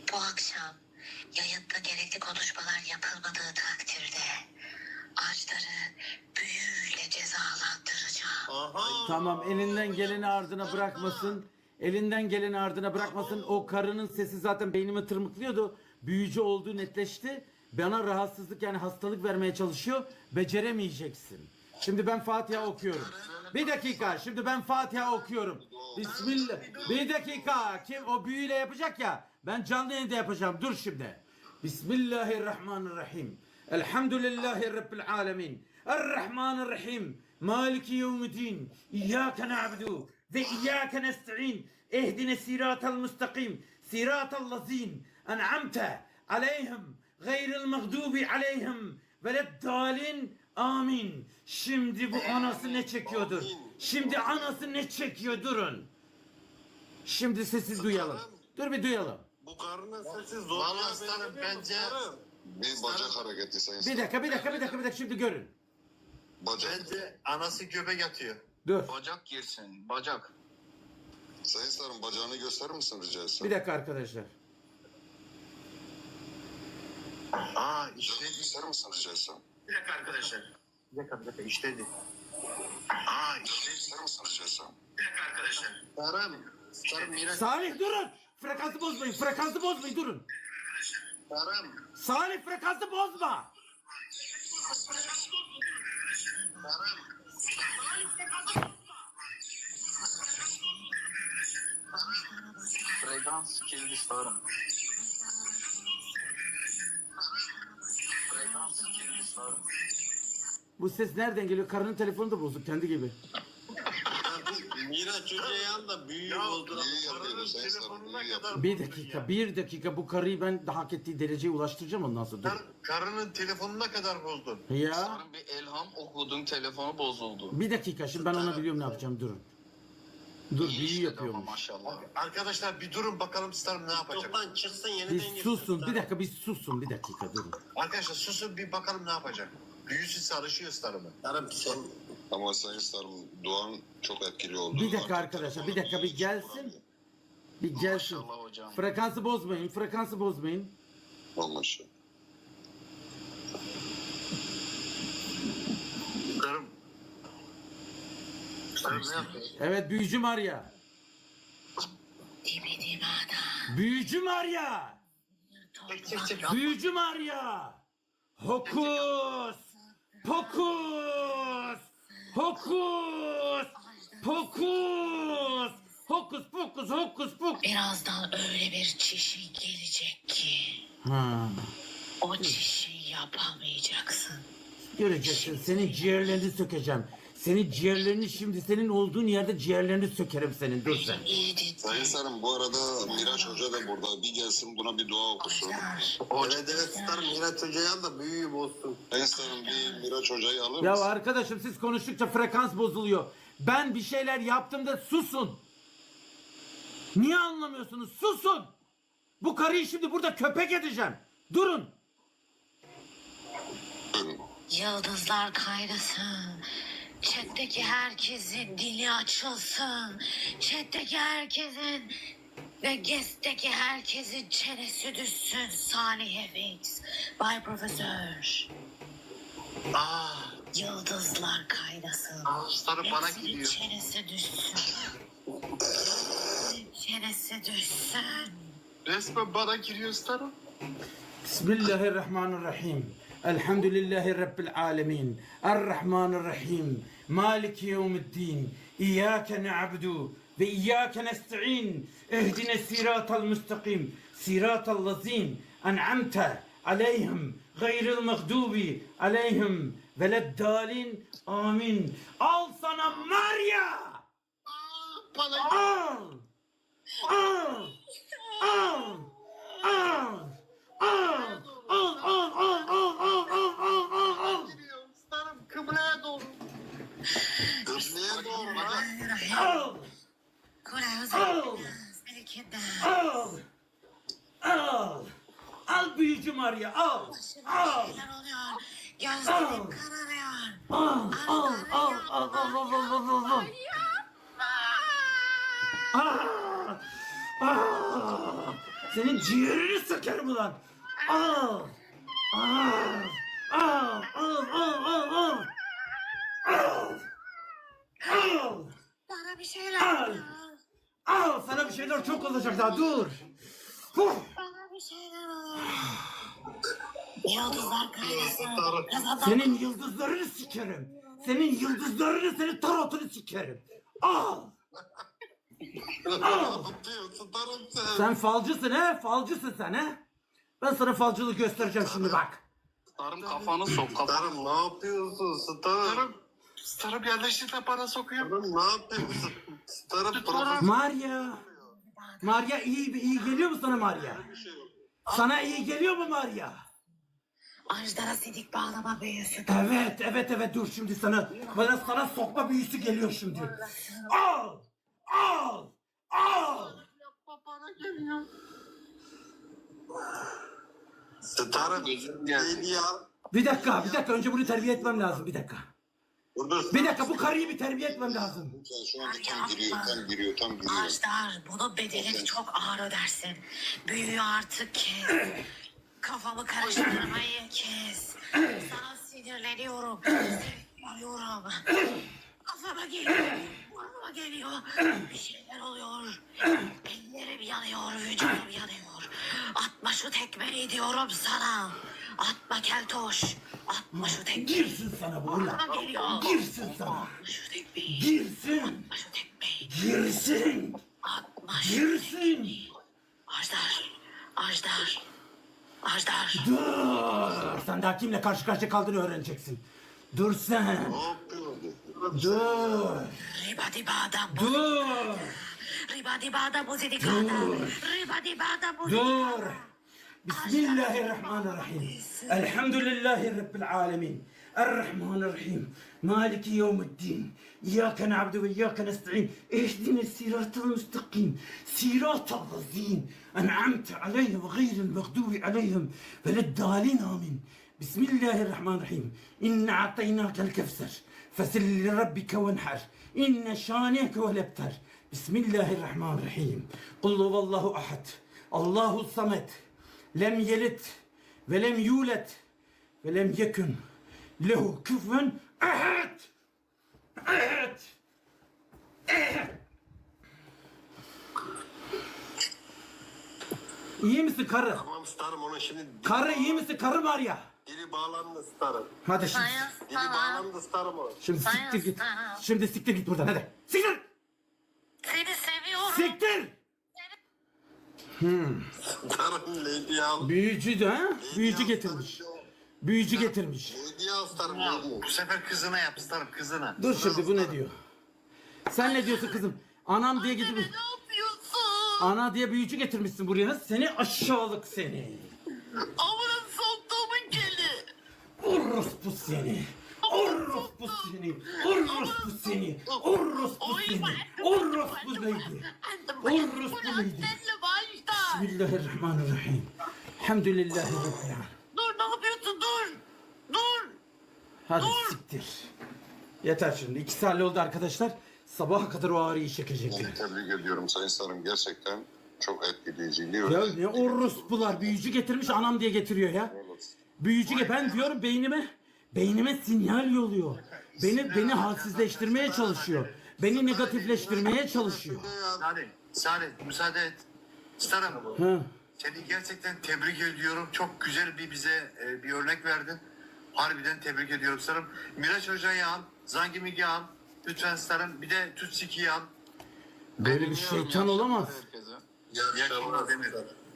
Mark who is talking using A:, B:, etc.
A: Bu akşam yayında gerekli konuşmalar yapılmadığı takdirde ağaçları büyüyle cezalandıracağım.
B: Aha.
C: Tamam, elinden geleni ardına bırakmasın. Elinden geleni ardına bırakmasın. O karının sesi zaten beynimi tırmıklıyordu. Büyücü olduğu netleşti. Bana rahatsızlık, yani hastalık vermeye çalışıyor. Beceremeyeceksin. Şimdi ben Fatiha okuyorum. Bir dakika. Şimdi ben Fatiha okuyorum. Bismillah. Bir dakika. Kim o büyüyle yapacak ya. Ben canlı yayında yapacağım. Dur şimdi. Bismillahirrahmanirrahim. Elhamdülillahi Rabbil alemin. Errahmanirrahim. Maliki yevmiddin. İyyâke na'budu ve iyyâke nesta'in. Ehdine siratal mustakim. Siratal lazîn. En'amte aleyhim. Gayril mağdubi aleyhim. Veleddâlin. Amin. Şimdi bu anası ne çekiyordur? Şimdi anası ne çekiyor? Durun. Şimdi sesi duyalım. Dur bir duyalım.
B: Bu karının sesi zor.
D: Vallahi starım bence
E: Bir bacak hareketi sayın
C: Bir dakika. Şimdi görün.
E: Bacak.
B: Bence anası göbek atıyor.
C: Dur.
D: bacak girsin. Bacak.
E: Sayın Sarım bacağını gösterir misin rica etsem?
C: Bir dakika arkadaşlar.
B: İşte.
E: Bacağını gösterir misin rica etsem?
D: Bir dakika arkadaşlar.
B: Bir dakika işledi.
E: Bacağını gösterir misin rica etsem?
D: Bir dakika arkadaşlar.
B: Starım Miraç.
C: Salih durun. Frekansı bozmayın. Durun.
B: Starım.
C: Salih frekansı bozma.
D: Frekans kilidi starım. Frekans kilidi starım.
C: Bu ses nereden geliyor? Karının telefonu da bozuk kendi gibi.
B: Miraç Hoca'yan da büyük oldu.
E: iyi
B: Karının
E: yapıyor Sayın Sarım,
B: telefonuna
E: iyi
B: kadar.
E: yapıyor.
C: Bir dakika. Bu karıyı ben de hak ettiği dereceye ulaştıracağım ondan sonra. Dur.
B: Karının telefonuna kadar bozdun.
C: Ya.
D: Starım bir elham okudum, telefonu bozuldu.
C: Bir dakika. Şimdi ben ona biliyorum ne yapacağım. Durun. Dur,
D: İyi
C: büyü
D: işledi ama
C: yapıyormuş.
D: maşallah.
B: Arkadaşlar bir durun bakalım Starım ne yapacak?
F: Toptan çıksın yeniden
C: Bir
F: girsin.
C: susun. Bir dakika. Bir dakika. Durun.
B: Arkadaşlar susun bir bakalım ne yapacak. Büyüsü sarışıyor Starım'ı.
F: Yarım sen
E: Ama Sayın Sarım duan çok etkili oldu.
C: Bir dakika
E: Artık
C: arkadaşlar. Bir
E: telefonu
C: dakika bir gelsin. Bir gelsin.
D: Maşallah hocam.
C: Frekansı bozmayın.
E: Olmuş.
B: Starım. Starım ne yapıyor?
C: Evet, büyücü Maria.
A: Dibidibada.
C: Büyücü Maria. Büyücü Maria. Hokus. Pokus. Hokus. Pokus. Hokus pokus.
A: Birazdan öyle bir çişin gelecek ki
C: Ha.
A: o çişi yapamayacaksın.
C: Göreceksin, senin ciğerlerini sökeceğim. Senin ciğerlerini şimdi senin olduğun yerde ciğerlerini sökerim senin. Dur sen.
A: İyi dinle.
E: Sayın Sarım bu arada Miraç Hoca da burada. Bir gelsin buna bir dua okusun.
F: evet Starım Miraç Hoca'yan da büyüğü bozsun.
E: Sayın Sarım bir Miraç Hoca'yı alır
C: Ya
E: mısın?
C: arkadaşım, siz konuştukça frekans bozuluyor. Ben bir şeyler yaptım da susun. Niye anlamıyorsunuz? Susun. Bu karıyı şimdi burada köpek edeceğim. Durun.
E: Buyurun.
A: Yıldızlar kaynasın. Chat'teki herkesin dili açılsın. Chat'teki herkesin ve guest'teki herkesin çenesi düşsün. Salih Fx, Bay Profesör. Yıldızlar kaynasın.
B: Starım bana
A: Hepsinin
B: gidiyor.
A: çenesi düşsün. Çenesi düşsün.
B: Resmen bana giriyor Starım.
C: Bismillahirrahmanirrahim. Elhamdülillahi Rabbil alemin. Errahmanirrahim. Maliki yevmiddin. İyyâke na'budu ve iyyâke nesta'in. Ehdine siratal mustakim. Siratal lazîn. En'amte aleyhim. Gayril mağdubi aleyhim. Veleddâlin. Amin. Al sana Maria.
B: Bana
C: Al. Al. Al. Al. Al.
B: giriyor. Starım kıbleye doğru.
E: Kıbleye doğru lan.
C: Al. Al. Al büyücü Maria, al. Al.
A: Neler oluyor? Gözlerim kararıyor.
C: Al. Senin ciğerini sökerim ulan. Al. Al. Al. Al. Al. Al. Al. Al. Al.
A: Bana bir şeyler
C: Al.
A: ol.
C: Al. Sana bir şeyler çok olacak daha dur. Huh.
A: Bana bir şeyler ol. Yıldızlar kaynasın. Kazanlar
C: Senin yıldızlarını sikerim. Senin yıldızlarını, senin tarotunu sikerim. Al.
F: Ne yapıyor starım sen?
C: Sen falcısın he? Falcısın sen he? Ben sana falcılık göstereceğim şimdi bak.
D: Starım kafanı sok kafanı.
F: Starım ne yapıyorsun starım?
B: Starım yerleştir de bana sokuyor.
F: Starım ne yapıyorsun? Starım profesör.
C: Maria. Maria iyi geliyor mu sana Maria? Sana iyi geliyor mu Maria?
A: Ajdara sidik bağlama büyüsü.
C: Evet dur şimdi sana sokma büyüsü geliyor şimdi. Al! Al! Al!
F: Starım
D: Gözüm geldi.
F: neydi ya?
C: Bir dakika önce bunu terbiye etmem lazım bir dakika.
F: Dur.
C: Bir dakika bu karıyı bir terbiye etmem lazım.
E: Lütfen şu anda tam giriyor.
A: Ajdar bunun bedelini çok ağır ödersin. Büyüyü artık kes. Kafamı karıştırmayı kes. Sana sinirleniyorum. Sinirleniyorum. Kafama geliyor. Burnuma geliyor. Bir şeyler oluyor. Ellerim yanıyor. Vücudum yanıyor. Atma şu tekmeyi diyorum sana. Atma keltoş. Atma şu tekmeyi.
C: Girsin sana bu ulan.
A: Burnuma geliyor.
C: Girsin sana.
A: Atma şu tekmeyi.
C: Girsin.
A: Atma şu tekmeyi.
C: Girsin.
A: Atma şu
C: Girsin.
A: Ajdar. Ajdar. Ajdar.
C: Dur. Sen daha kimle karşı karşıya kaldığını öğreneceksin. Dur sen.
F: Ne yapıyorsun?
C: Dur.
A: Ribadi bada
C: Dur.
A: Ribadi bada muzidikada. Ribadi bada
C: Dur.
A: muzidikada.
C: Bismillahirrahmanirrahim. Elhamdülillahi Rabbil alemin. Errahmanirrahim. Maliki yevmiddin. İyyâke na'budu ve iyyâke nesta'in. İhdine siratal müstakim. Siratal lezîn. En'amte aleyhim ve gayril mağdubi aleyhim. Veleddâlin amin. Bismillahirrahmanirrahim. İnne a'taynâkel kevser. Fesil li rabbike venher. İnne şâneke vel ebter. Bismillahirrahmanirrahim. Kul huvallahu ahad. Allahu samet. Lem yelit ve lem yulet ve lem yekun lehu küfen ahad. Ahad. İyi misin karı?
F: Tamam starım onun şimdi
C: Karı iyi misin karı var ya?
F: dili bağlandı starım.
C: Hadi şimdi.
F: Dili bağlandı starım o.
C: Şimdi siktir git. Şimdi siktir git buradan hadi. Siktir.
A: Seni seviyorum.
C: Siktir.
F: Starım neydi ya?
C: Büyücü de ha? Büyücü getirmiş. Büyücü getirmiş.
F: Neydi ya starım neydi?
B: Bu sefer kızına yap starım kızına.
C: Dur şimdi bu ne diyor? Sen ne diyorsun kızım? Anam diye getirmiş.
A: Ne yapıyorsun?
C: Ana diye büyücü getirmişsin buraya. Seni aşağılık seni.
A: Amına soktuğumun keli.
C: Orospu seni. Orospu seni. Orospu seni. Orospu seni. Orospu neydi? Orospu neydi? Bismillahirrahmanirrahim. Elhamdülillahi Rabbil alemin.
A: Dur ne yapıyorsun dur. Dur.
C: Hadi siktir. Yeter şimdi. 2 saat oldu arkadaşlar. Sabaha kadar o ağrıyı çekecekler.
E: Tebrik ediyorum Sayın Starım. Gerçekten çok etkileyiciydi.
C: Ya ne orospular. Büyücü getirmiş anam diye getiriyor ya. Büyücü ben diyorum beynime sinyal yolluyor. Beni halsizleştirmeye çalışıyor. Beni negatifleştirmeye çalışıyor.
B: Salih müsaade et. Starım
C: Ha.
B: seni gerçekten tebrik ediyorum. Çok güzel bize bir örnek verdin. Harbiden tebrik ediyorum starım. Miraç Hoca'yı al. Zangimik'i al. Lütfen starım. Bir de Tutsiki'yi al.
C: Böyle bir şeytan olamaz.
D: Herkese.
F: İyi akşamlar
B: Yakınlar demir.
F: starım.